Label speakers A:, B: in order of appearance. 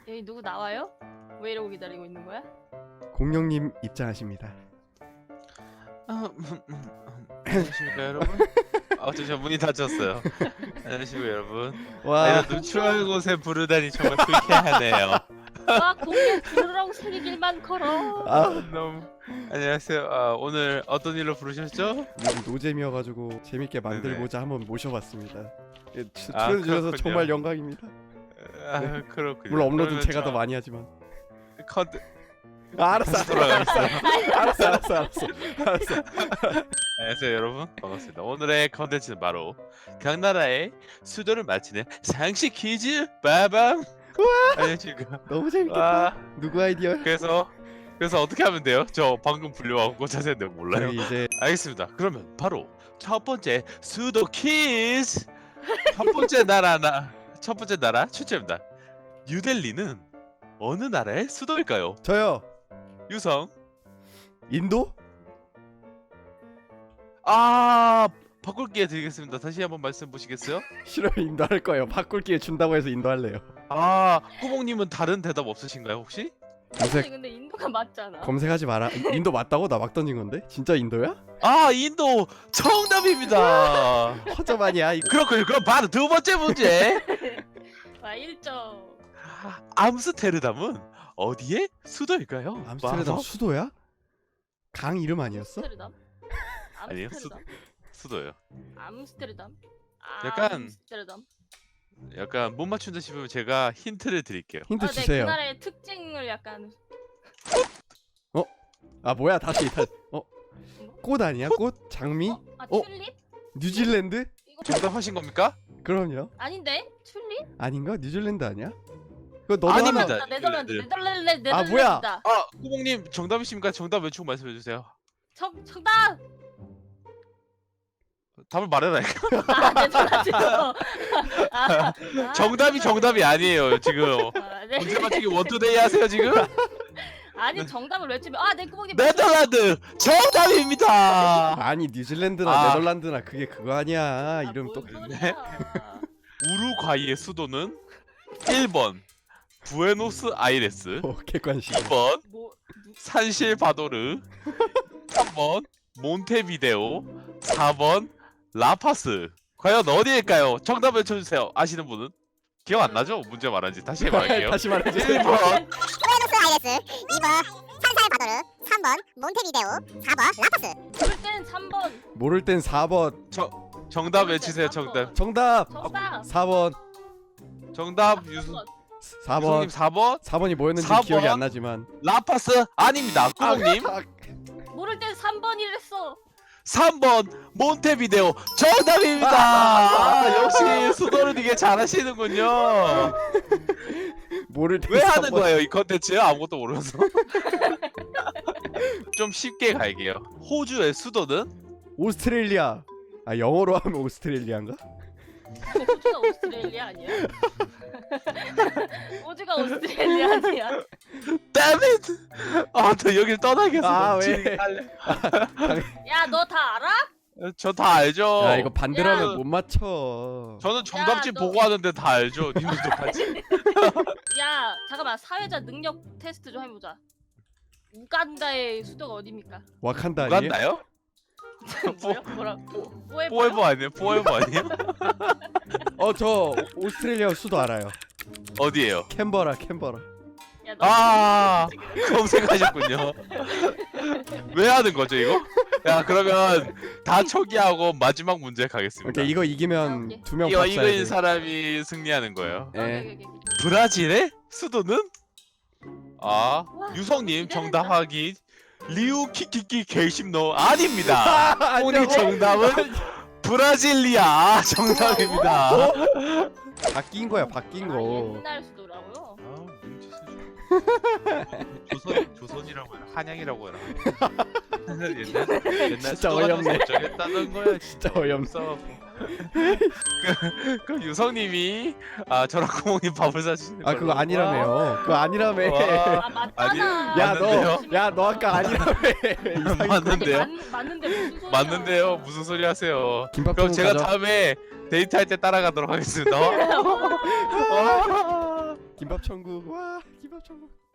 A: 여기 누구 나와요? 왜 이러고 기다리고 있는 거야?
B: 공룡님 입장하십니다.
C: 안녕하십니까 여러분. 저 문이 닫혔어요. 안녕하십니까 여러분.
B: 와,
C: 이런 누추한 곳에 부르다니 정말 불쾌하네요.
A: 와 공개 부르라고 새기길만 걸어.
C: 너무 안녕하세요. 오늘 어떤 일로 부르셨죠?
B: 요즘 노잼이어가지고 재밌게 만들고자 한번 모셔봤습니다. 예,
C: 아,
B: 출연해주셔서
C: 그렇군요.
B: 정말 영광입니다.
C: 그렇군요.
B: 물론 업로드는
C: 그러면
B: 제가
C: 저
B: 더 많이 하지만.
C: 다시
B: 알았어.
C: 돌아가겠어요.
B: 알았어.
C: 안녕하세요 여러분, 반갑습니다. 오늘의 컨텐츠는 바로 각 나라의 수도를 맞히는 상식 퀴즈 빠밤. 안녕하십니까.
B: 너무 재밌겠다.
C: 와,
B: 누구 아이디어?
C: 그래서 어떻게 하면 돼요? 저 방금 불려와고 자세히 내가 몰라요.
B: 저희 이제
C: 알겠습니다. 그러면 바로 첫 번째 수도 퀴즈. 첫 번째 나라 출제입니다. 뉴델리는 어느 나라의 수도일까요?
B: 저요.
C: 유성.
B: 인도?
C: 바꿀 기회 드리겠습니다. 다시 한번 말씀 보시겠어요?
B: 싫어요. 인도할 거예요. 바꿀 기회 준다고 해서 인도할래요.
C: 꾸봉님은 다른 대답 없으신가요 혹시?
B: 검색
A: 근데 인도가 맞잖아.
B: 검색하지 마라. 인도 맞다고? 나 막 던진 건데? 진짜 인도야?
C: 인도 정답입니다.
B: 허접 아니야?
C: 그렇군요. 그럼 바로 두 번째 문제.
A: 와 1점.
C: 암스테르담은 어디의 수도일까요?
B: 암스테르담 수도야? 강 이름 아니었어?
A: 암스테르담.
C: 아니요,
A: 암스테르담.
C: 수도예요.
A: 암스테르담.
C: 약간-
A: 암스테르담.
C: 약간 못 맞춘다 싶으면 제가 힌트를 드릴게요.
B: 힌트
A: 네, 그
B: 주세요.
A: 나라의 특징을 약간
B: 뭐야 다시. 꽃 아니야? 꽃? 장미?
A: 튤립?
B: 뉴질랜드?
A: 이거
C: 정답하신 겁니까?
B: 그럼요.
A: 아닌데? 튤립?
B: 아닌가? 뉴질랜드 아니야? 그거 너도
C: 아닙니다.
B: 하나.
A: 네덜란드.
C: 뉴질랜드.
A: 네덜란드.
B: 뭐야?
C: 꾸봉님 정답이십니까? 정답 외치고 말씀해 주세요.
A: 정답.
C: 답을 말해라니까.
A: 네덜란드.
C: 정답이 정답이 아니에요 지금.
A: 네.
C: 문제 맞추기 원투데이 하세요 지금?
A: 아니 정답을 외치면 내 구멍이
C: 네덜란드 정답입니다.
B: 아니 뉴질랜드나
C: 아.
B: 네덜란드나 그게 그거 아니야. 이름 또.
C: 네. 우루과이의 수도는 1번 부에노스아이레스,
B: 객관식.
C: 2번
A: 뭐
C: 산실바도르, 3번 몬테비데오, 4번 라파스. 과연 어디일까요? 정답 외쳐주세요. 아시는 분은? 기억 안 나죠? 문제 말한지 다시 말할게요.
B: 다시 말해주세요.
C: 1번
D: 부에노스아이레스, 2번 산살바도르, 3번 몬테비데오, 4번 라파스.
A: 그럴 땐 3번.
B: 모를 땐 4번.
C: 정답 외치세요. 정답.
B: 정답.
A: 정답.
B: 4번.
C: 정답 유수님
B: 4번.
C: 4번
B: 4번이 뭐였는지
C: 4번.
B: 기억이 안 나지만.
C: 라파스 아닙니다. 꾸봉님
A: 모를 땐 3번이랬어.
C: 3번 몬테비데오 정답입니다. 역시 수도를 되게 잘하시는군요.
B: 모를 땐
C: 왜 하는
B: 3번.
C: 거예요 이 컨텐츠? 아무것도 모르면서. 좀 쉽게 갈게요. 호주의 수도는?
B: 오스트레일리아. 영어로 하면 오스트레일리아인가?
A: 호주가 오스트레일리아 아니야? 호주가 오스트레일리아 아니야?
C: Damn it! 저 여길 떠나겠어.
B: 왜?
A: 야 너 다 알아?
C: 저 다 알죠.
B: 야 이거 반대로
A: 야.
B: 하면 못 맞춰.
C: 저는 정답지
A: 야, 너-
C: 보고하는데 다 알죠. 님들도 같이.
A: 야 잠깐만 사회자 능력 테스트 좀 해보자. 우간다의 수도가 어디입니까?
B: 와칸다 아니에요?
C: 우간다요?
A: 뭐라?
C: 포에버 아니에요? 포에버 아니에요?
B: 저 오스트레일리아 수도 알아요.
C: 어디에요?
B: 캔버라.
A: 야, 너
C: 아 검색하셨군요. 왜 하는 거죠 이거? 야 그러면 다 초기하고 마지막 문제 가겠습니다.
B: 오케이 이거 이기면
A: 오케이.
B: 2명
C: 이거
B: 밥 사야 돼.
C: 이거인 사람이 승리하는 거예요.
B: 예.
C: 브라질의 수도는? 유성님
A: 기대된다.
C: 정답하기 리우 키키키 개심노 아닙니다. 오늘
B: 아니라고?
C: 정답은 브라질리아 정답입니다.
B: 바뀐 거야 바뀐 거.
A: 옛날 수도라고요?
C: 조선이라고 해라. 한양이라고 해라. 옛날
B: 진짜 어이없네.
C: 어쩌겠다는 거야.
B: 진짜 어이없어.
C: 없어. 그 유성님이 저랑 구멍님 밥을 사주시는 걸로.
B: 그거 아니라며요. 그거 아니라며.
C: 와.
A: 맞잖아.
B: 야 너 아까 아니라며. 이상한
C: 맞는데요?
A: 맞는데 무슨 소리야?
C: 맞는데요. 무슨 소리 하세요?
B: 김밥
C: 그럼 제가
B: 가져.
C: 다음에 데이트할 때 따라가도록 하겠습니다.
B: 김밥 천국. 와 김밥 천국.